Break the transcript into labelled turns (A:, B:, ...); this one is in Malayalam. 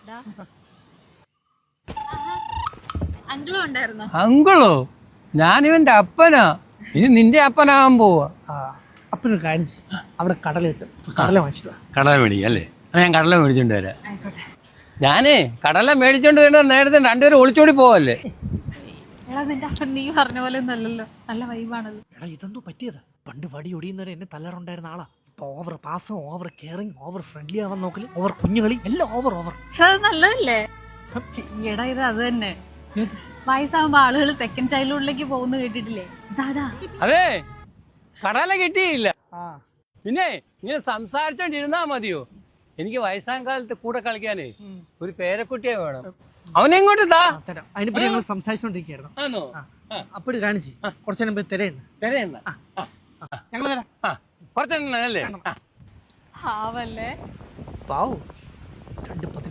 A: അങ്കിളോ? ഞാനിവന്റെ അപ്പനാ. ഇനി നിന്റെ അപ്പനാകാൻ പോവാ.
B: അപ്പനൊരു കാര്യം ചെയ്യും, അവിടെ കടലിട്ട് കടല വാങ്ങിച്ചിട്ട്
A: കടല മേടിക്കാം അല്ലേ? ഞാൻ കടല മേടിച്ചോണ്ട് വരാം. ഞാനേ കടല മേടിച്ചോണ്ട് വരുന്ന നേരത്തെ രണ്ടുപേരും ഒളിച്ചോടി പോവല്ലേ?
C: നിന്റെ അപ്പൻ നീ പറഞ്ഞ പോലെ ഒന്നല്ലല്ലോ, നല്ല വൈബാണത്.
B: എടാ ഇതെന്തോ പറ്റിയത്? പണ്ട് വടി ഒടിയുന്നവരെ എന്നെ തല്ലാറുണ്ടായിരുന്ന ആളാ. ഇപ്പൊ ഓവർ പാസം, ഓവർ കെയറിങ്, ഓവർ ഫ്രണ്ട്ലി ആവാൻ നോക്കല്, ഓവർ കുഞ്ഞുകളി, എല്ലാം ഓവർ.
C: അത് നല്ലതല്ലേ? എടാ ഇത് അത് തന്നെ. വയസ്സാകുമ്പോ ആളുകൾ സെക്കൻഡ് ചൈൽഡ്ഹുഡിലേക്ക് പോകുന്ന കേട്ടിട്ടില്ലേ?
A: അതെ, കടല കിട്ടിയില്ല. പിന്നെ ഇങ്ങനെ സംസാരിച്ചോണ്ടിരുന്നാ മതിയോ? എനിക്ക് വയസ്സാം കാലത്ത് കൂടെ കളിക്കാനേ ഒരു പേരക്കുട്ടിയെ വേണം. അവനെങ്ങോട്ട് താ.
B: അതിനെപ്പറ്റി ഞങ്ങൾ സംസാരിച്ചോണ്ടിരിക്കുകയായിരുന്നു. അപ്പോഴും കാണിച്ചു കുറച്ചു നേരം പോയി തിരയുണ്ട്. ഞങ്ങൾ വരാം.
A: കുറച്ചെണ്ണല്ലേ?
C: പാവല്ലേ?
B: പാവം 2